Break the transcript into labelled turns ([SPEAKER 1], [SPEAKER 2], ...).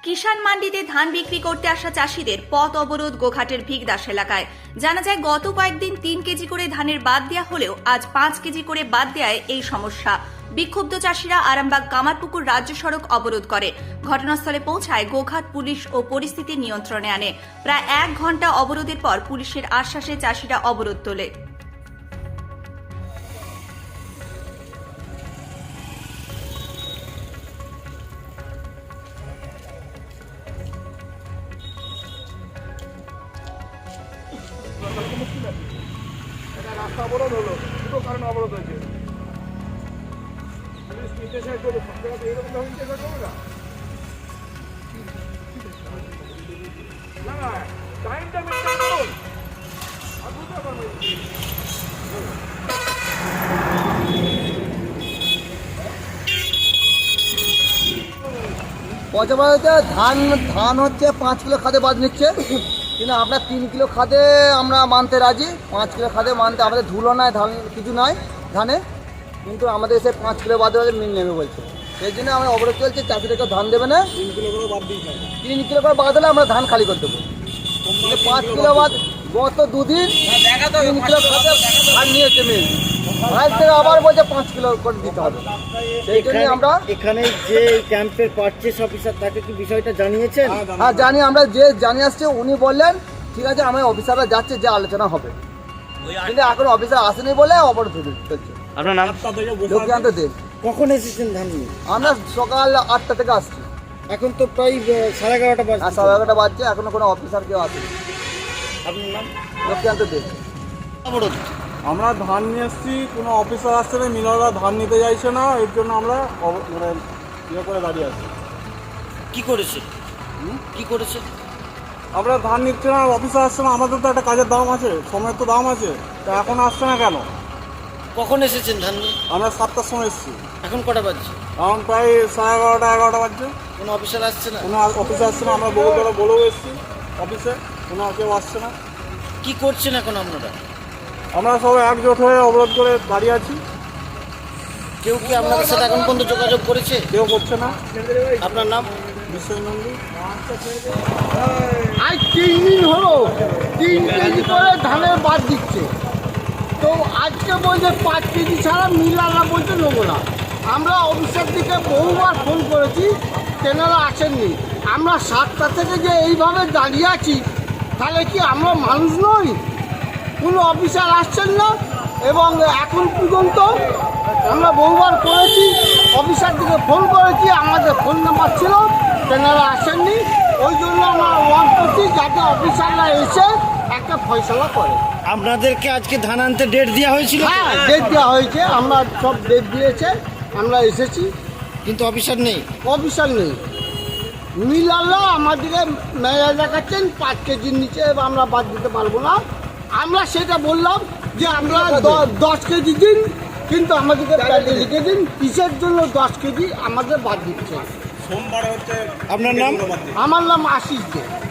[SPEAKER 1] কিষাণ মান্ডিতে ধান বিক্রি করতে আসা চাষিদের পথ অবরোধ গোঘাটের ভিগদাস এলাকায়। জানা যায় গত কয়েকদিন 3 কেজি করে ধানের বাদ দেওয়া হলেও আজ 5 কেজি করে বাদ দেওয়ায় এই সমস্যা। বিক্ষুব্ধ চাষিরা আরামবাগ কামারপুকুর রাজ্য সড়ক অবরোধ করে। ঘটনাস্থলে পৌঁছায় গোঘাট পুলিশ ও পরিস্থিতি নিয়ন্ত্রণে আনে। প্রায় 1 ঘন্টা অবরোধের পর পুলিশের আশ্বাসে চাষিরা অবরোধ তোলে।
[SPEAKER 2] রাস্তা অবরোধ হলো, দুটো কারণে অবরোধ হয়েছে। পুলিশ নির্দেশায় করবে, সব জায়গাতে এরকম ভাবে নির্দেশায় করবে না। না, টাইমটা মেনটেন করুন। আর বুঝতে পারবেন
[SPEAKER 3] পচাবাড়িতে ধান হচ্ছে 5 কিলো খাদে বাদ নিচ্ছে, কিন্তু আমরা 3 কিলো খাদে আমরা মানতে রাজি। 5 কিলো খাদে মানতে আমাদের ধুলো নাই, ধান কিছু নাই ধানে, কিন্তু আমাদের এসে 5 কিলো বাদে মিল নেবে বলছে। সেই জন্য আমরা অবরোধ চলছে, চাষিদেরকে ধান দেবে না। 3 কিলো করে বাদ দিই, 3 কিলো করে বাদ হলে আমরা ধান খালি করে দেবো। 5 কিলো বাদ গত 2 দিন 3 কিলো খাদে ধান নিয়েছে মিল, আজ থেকে আবার বলছে 5 কিলো করে দিতে হবে। সেই জন্য আমরা
[SPEAKER 4] এখানে যে ক্যাম্পের পারচেস অফিসার তাকে কি বিষয়টা জানিয়েছেন?
[SPEAKER 3] হ্যাঁ জানি, আমরা যে জানিয়ে আসছে উনি বললেন ঠিক আছে, আমার অফিসাররা যাচ্ছে, যে আলোচনা হবে, কিন্তু এখন অফিসার আসেনি বলে অবরোধ চলছে।
[SPEAKER 4] আপনার নাম?
[SPEAKER 3] লক্ষ্মীকান্ত দেব।
[SPEAKER 4] কখন এসেছেন ধান নিয়ে?
[SPEAKER 3] আমরা সকাল 8টা থেকে আসছি,
[SPEAKER 4] এখন তো প্রায় 11:30 বাজে।
[SPEAKER 3] আর 11:30 বাজছে, এখনো কোনো অফিসার কেউ আসেনি।
[SPEAKER 4] আপনার নাম?
[SPEAKER 3] লক্ষ্মীকান্ত দেব।
[SPEAKER 4] অবরোধ।
[SPEAKER 2] আমরা ধান নিয়ে এসেছি, কোনো অফিসার আসছে না, মিলাররা ধান নিতে চাইছে না, এর জন্য আমরা মানে ইয়ে করে দাঁড়িয়ে আছি।
[SPEAKER 4] কি করেছে? কি করেছে?
[SPEAKER 2] আমরা ধান নিচ্ছি না, অফিসার আসছে না, আমাদের তো একটা কাজের দাম আছে, সময়ের তো দাম আছে, তা এখন আসছে না কেন?
[SPEAKER 4] কখন এসেছেন ধান নিয়ে?
[SPEAKER 2] আমরা 7টার সময় এসেছি,
[SPEAKER 4] এখন কটা বাজছে?
[SPEAKER 2] এখন প্রায় 11:30 বাজছে।
[SPEAKER 4] কোনো অফিসার আসছে না?
[SPEAKER 2] কোনো অফিসে আসছে না, আমরা বগুড়া বলেও এসেছি অফিসে, কোনো কেউ আসছে না।
[SPEAKER 4] কি করছেন এখন আপনারা?
[SPEAKER 2] আমরা সবাই একজোট হয়ে অবরোধ করে দাঁড়িয়ে আছি,
[SPEAKER 4] কেউ কি আপনাদের সাথে এখন পর্যন্ত যোগাযোগ করেছে?
[SPEAKER 2] কেউ করছে না।
[SPEAKER 4] আপনার নাম?
[SPEAKER 2] বিশ্বজিৎ নন্দী।
[SPEAKER 3] আজ 3 দিন হলো 3 কেজি করে ধানের বাদ দিচ্ছে, তো আজকে বলছে 5 কেজি ছাড়া মিলাররা বলছে নেবো না। আমরা অফিসের দিকে বহুবার ফোন করেছি, তেনারা আসেননি। আমরা 7টা থেকে যে এইভাবে দাঁড়িয়ে আছি, তাহলে কি আমরা মানুষ নই? কোনো অফিসার আসছেন না, এবং এখন পর্যন্ত আমরা বহুবার করেছি, অফিসার দিকে ফোন করেছি, আমাদের ফোন নাম্বার ছিল, তেনারা আসেননি। ওই জন্য আমরা ওয়ার্ক করছি যাতে অফিসাররা এসে একটা ফয়সলা করে।
[SPEAKER 4] আপনাদেরকে আজকে ধান আনতে ডেট দেওয়া হয়েছিল?
[SPEAKER 3] হ্যাঁ, ডেট দেওয়া হয়েছে, আমরা সব ডেট দিয়েছে, আমরা এসেছি,
[SPEAKER 4] কিন্তু অফিসার নেই।
[SPEAKER 3] অফিসার নেই। মিলাররা আমাদেরকে মেলা দেখাচ্ছেন 5 কেজির নিচে আমরা বাদ দিতে পারবো না। আমরা সেটা বললাম যে আমরা 10 কেজি দিন, কিন্তু আমাদেরকে প্যাডে লিখে দিন কিসের জন্য 10 কেজি আমাদের বাদ দিচ্ছে।
[SPEAKER 2] সোমবার হচ্ছে।
[SPEAKER 4] আপনার নাম?
[SPEAKER 3] আমার নাম আশিস দে।